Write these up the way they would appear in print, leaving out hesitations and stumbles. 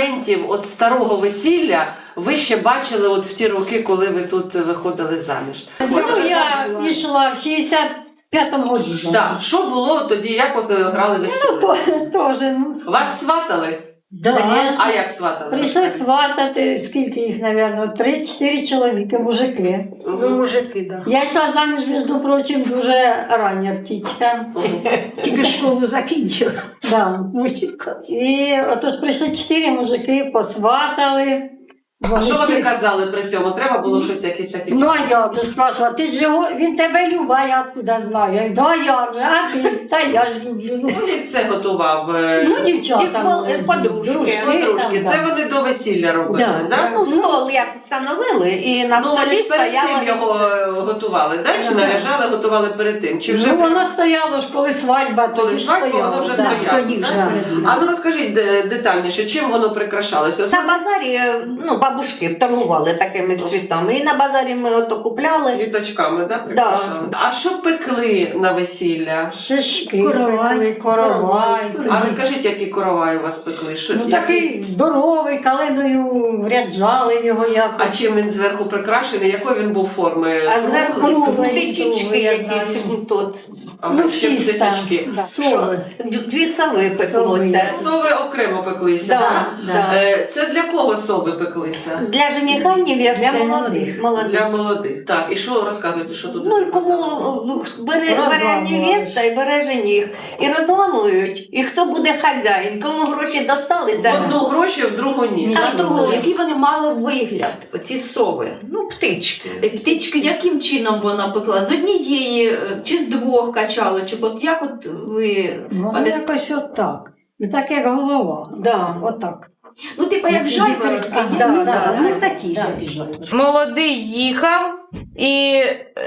моментів от старого весілля ви ще бачили от в ті роки, коли ви тут виходили заміж? Я йшла в 65-му году. Так, що було тоді, як от грали весілля? Теж. Вас сватали? А як сватали? Прийшли сватати, скільки їх, мабуть, 3-4 чоловіки, мужики. Мужики, так. Я йшла заміж, між прочим, дуже рання птічка. Тільки школу закінчила. Да. І отож прийшли 4 мужики, посватали. А що вони казали при цьому? Треба було щось якесь таке? Ну, а я вже спрашивала, ти ж його, він тебе любить, а я откуда знаю? Я говорю, да, я вже, а ти? Та я ж люблю. Ну, Хто їх це готував? ну дівчата. Подружки. Це вони до весілля робили, так? Ну, стол як встановили, і на Ну, вони столі ж перед стояла... тим його готували, так? Чи наряжали, готували перед тим? Чи вже Ну, воно стояло ж, коли свадьба, коли тоді свадьба, стояло. воно вже Да. стояло? Тоді вже так? перед ним. А ну розкажіть детальніше, чим воно прикрашалося? На базарі, ну, бабушки торгували такими цвітами, і на базарі ми ото купляли. Віточками, так? Прикрашали? А що пекли на весілля? Шишки, Коровай. коровай. А розкажіть, які коровай у вас пекли? Що, Ну, такий здоровий, калиною ряджали його А якось. чим він зверху прикрашений? Якої він був форми? А зверху Круглий, птичечки я якісь знаю. тут. А ще фіста. птичечки. Да. Що? Дві сови пеклося. Сови окремо пеклися, Да, так? да. Це для кого сови пеклися? Для жениха невести. Для молодих. Для молодих. Так, і що розказуєте, що тут? Ну і кому бере невеста і бере жених. І розламують. І хто буде хазяїн, кому гроші В досталися. одну гроші, в другу ні. А в другу Який вони мали вигляд, ці сови? Ну, птички. Птички, яким чином вона пекла? З однієї чи з двох качали? Чи от як от ви Ну, пам'ятаєте? якось отак. І так, як голова. Да. Отак. Ну, типу, як жайворонки. ні? Ну, такі ж. Молодий їхав і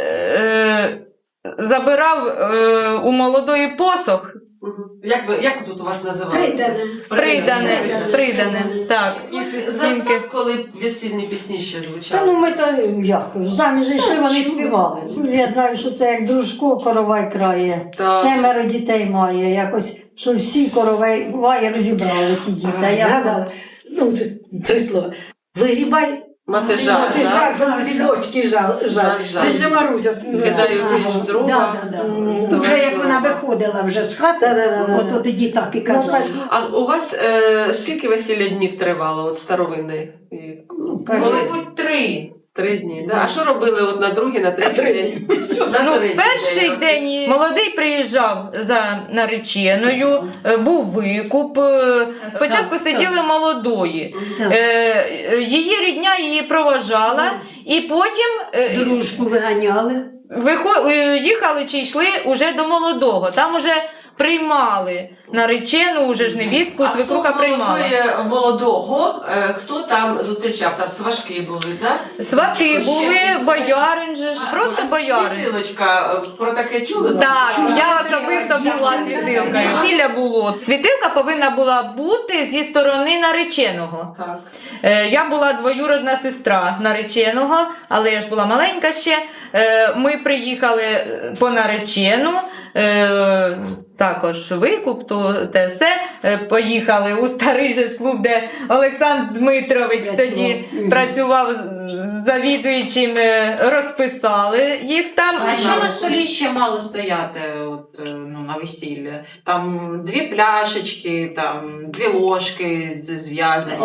забирав у молодої посох. Як тут у вас називається? Придане, так. Застав, коли весільні пісні ще Та звучали. ну ми то як, заміж йшли, вони співали. Я знаю, що це як дружко коровай крає. Так. 7 дітей має, якось, що всі коровай розібрали ті діти. А я гадала, Ну, 3 слова. Вигрібай. Матежа, Ти жар, вона дві дочки жал. Жаль. Це ж Маруся. Кидаю річ дрова. Вже як вона виходила вже з хати, от тоді так і казала. А у вас скільки весілля днів тривало, от старовинний? Коли? Мабуть, 3. 3 дні. Да? А що робили от на другий, на третій день? На Ну, третій перший день. день молодий приїжджав за нареченою, був викуп. Спочатку сиділи молодої. Її рідня її проважала, і потім Дружку виганяли. їхали чи йшли уже до молодого. Там уже приймали наречену, уже ж невістку, свекруха приймала. Молодого, хто там зустрічав? Там сважки були, так? Свати були, боярин же ж, просто боярин. Світилочка, про таке чули? Так, я особисто була світилкою. Весілля було. Світилка повинна була бути зі сторони нареченого. Так. Я була двоюродна сестра нареченого, але я ж була маленька ще. Ми приїхали по наречену, також викуп, те все. Поїхали у старий же ж клуб, де Олександр Дмитрович тоді працював завідуючим, розписали їх там. А що на столі ще мало стояти на весілля? Там 2 пляшечки, там 2 ложки зв'язані.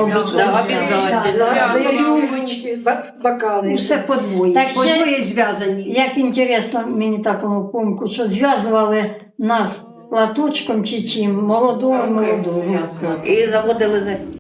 Рюмочки, бокали. Все подвоє. Так ще- Подвоє зв'язані. як інтересно, мені такому помку, що зв'язували нас платочком чи чим, молодого. зв'язували. І заводили за